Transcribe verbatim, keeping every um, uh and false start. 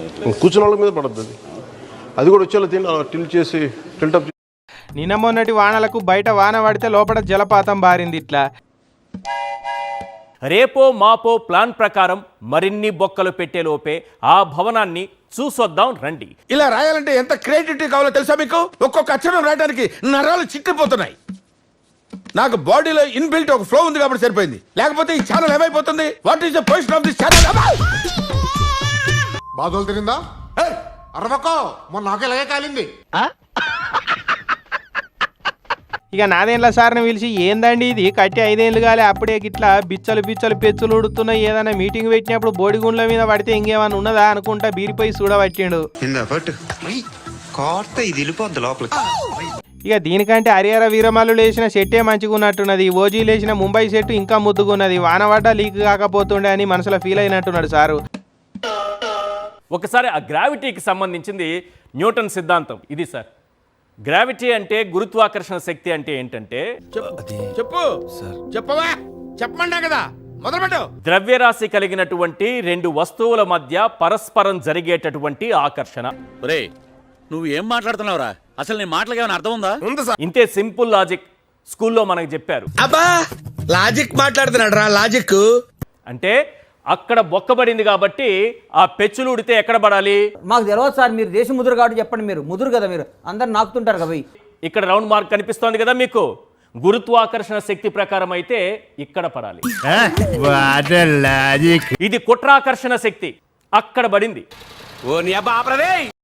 కూర్చున్న వాళ్ళ మీద పడద్దు అది అది కూడా వచ్చేలా తిని టిల్ చేసి టిల్టప్. నిన్న మొన్నటి వానలకు బయట వాన పడితే లోపల జలపాతం బారింది. ఇట్లా రేపో మాపో ప్లాన్ ప్రకారం మరిన్ని బొక్కలు పెట్టేలోపే ఆ భవనాన్ని చూసొద్దాం రండి. ఇలా రాయాలంటే ఎంత క్రియేటివిటీ కావాలో తెలుసా మీకు? ఒక్కొక్క అక్షరం రాయడానికి నరాలు చిక్కిపోతున్నాయి. నాకు బాడీలో ఇన్బిల్ట్ ఒక ఫ్లో ఉంది కాబట్టి సరిపోయింది, లేకపోతే ఈ ఛానల్ ఏమైపోతుంది? What is the position of this channel? బాధలు తిరిందా అరవకో మొన్న నాకు ఇలాగే కాలింది. ఇక నాదేండ్ల సార్ని పిలిచి ఏందండి ఇది కట్టి ఐదేళ్ళు కాలే అప్పుడే గిట్లా బిచ్చలు బిచ్చలు పెచ్చులు ఉడుతున్నాయి, ఏదైనా మీటింగ్ పెట్టినప్పుడు బోడిగుండ్ల మీద పడితే ఇంకేమైనా ఉన్నదా అనుకుంటా బీరిపోయి చూడబట్టిండు. ఇక దీనికంటే హరిహర వీరమల్లు లేచిన సెట్టే మంచిగున్నట్టున్నది, ఓజీ లేచిన ముంబై సెట్ ఇంకా ముద్దుగున్నది, వానవాట లీక్ కాకపోతుండే అని మనసులో ఫీల్ అయినట్టున్నాడు సారు. ఒకసారి ఆ గ్రావిటీకి సంబంధించింది న్యూటన్ సిద్ధాంతం ఇది సార్. గ్రావిటీ అంటే గురుత్వాకర్షణ శక్తి అంటే ఏంటంటే చెప్పు చెప్పవా చెప్పమంటా కదా మొదలుపెట్టు. ద్రవ్యరాశి కలిగినటువంటి రెండు వస్తువుల మధ్య పరస్పరం జరిగేటటువంటి ఆకర్షణ. రే నువ్వు ఏం మాట్లాడుతున్నావురా? అసలు నీ మాటలకి ఏమైనా అర్థం ఉందా? ఇంతే సింపుల్ లాజిక్ స్కూల్లో మనకు చెప్పారు. అబ్బా లాజిక్ మాట్లాడుతున్నాడు రా లాజిక్. అంటే అక్కడ బొక్కబడింది కాబట్టి ఆ పెచ్చులు ఉడితే ఎక్కడ పడాలి? మాకు తెలియదు సార్, మీరు దేశ ముదురు కాబట్టి చెప్పండి. మీరు ముదురు కదా, మీరు అందరు నాకుతుంటారు కదా. ఇక్కడ రౌండ్ మార్క్ కనిపిస్తోంది కదా మీకు, గురుత్వాకర్షణ శక్తి ప్రకారం అయితే ఇక్కడ పడాలి. ఇది కుట్రాకర్షణ శక్తి, అక్కడ పడింది. ఓ నీ అబ్బా ఆపరదే.